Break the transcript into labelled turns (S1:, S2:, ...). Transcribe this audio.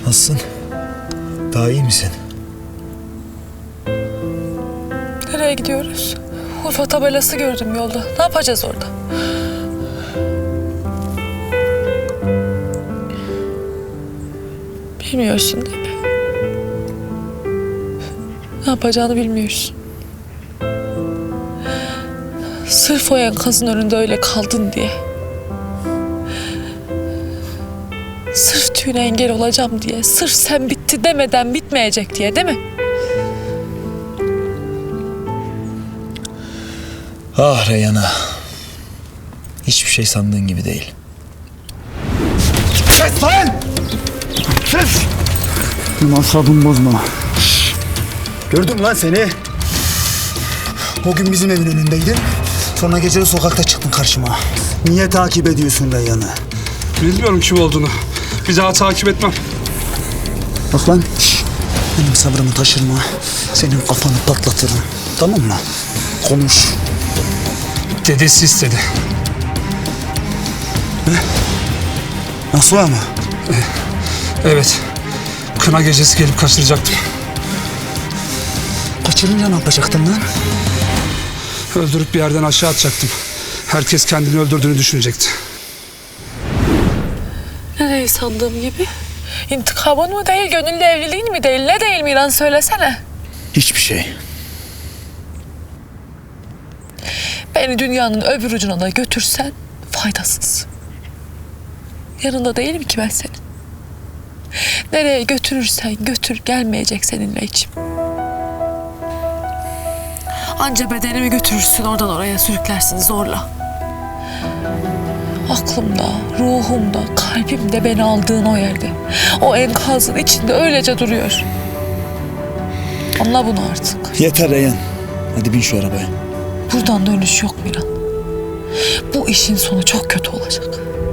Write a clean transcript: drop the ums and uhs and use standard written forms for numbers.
S1: Nasılsın? Daha iyi misin?
S2: Nereye gidiyoruz? Urfa tabelası gördüm yolda. Ne yapacağız orada? Bilmiyorsun değil mi? Ne yapacağını bilmiyorsun. Sırf o enkazın önünde öyle kaldın diye. Sırf düğüne engel olacağım diye. Sırf sen bitti demeden bitmeyecek diye, değil mi?
S1: Ah Reyhan'a. Hiçbir şey sandığın gibi değil.
S3: Kes lan! Kes! Benim asabımı bozma. Gördüm lan seni. O gün bizim evin önündeydin. Sonra gece de sokakta çıktın karşıma. Niye takip ediyorsun Reyhan'ı?
S4: Bilmiyorum kim olduğunu. Bir daha takip etmem.
S3: Bak lan. Benim sabrımı taşırma. Senin kafanı patlatırım. Tamam mı? Konuş.
S4: Dedesi istedi.
S3: Nasıl ama?
S4: Evet. Kına gecesi gelip kaçıracaktım.
S3: Kaçırınca ne yapacaktın lan?
S4: Öldürüp bir yerden aşağı atacaktım. Herkes kendini öldürdüğünü düşünecekti.
S2: Nereyi sandığım gibi? İntikamın mı değil, gönüllü evliliğin mi değil? Ne değil Miran, söylesene.
S1: Hiçbir şey.
S2: Beni dünyanın öbür ucuna da götürsen faydasız. Yanında değilim ki ben senin. Nereye götürürsen götür, gelmeyecek seninle içim. Anca bedenimi götürürsün, oradan oraya sürüklersin zorla. Aklımda, ruhumda, kalbimde beni aldığın o yerde. O enkazın içinde öylece duruyor. Anla bunu artık.
S1: Yeter Reyhan. Hadi bin şu arabaya.
S2: Buradan dönüş yok Miran. Bu işin sonu çok kötü olacak.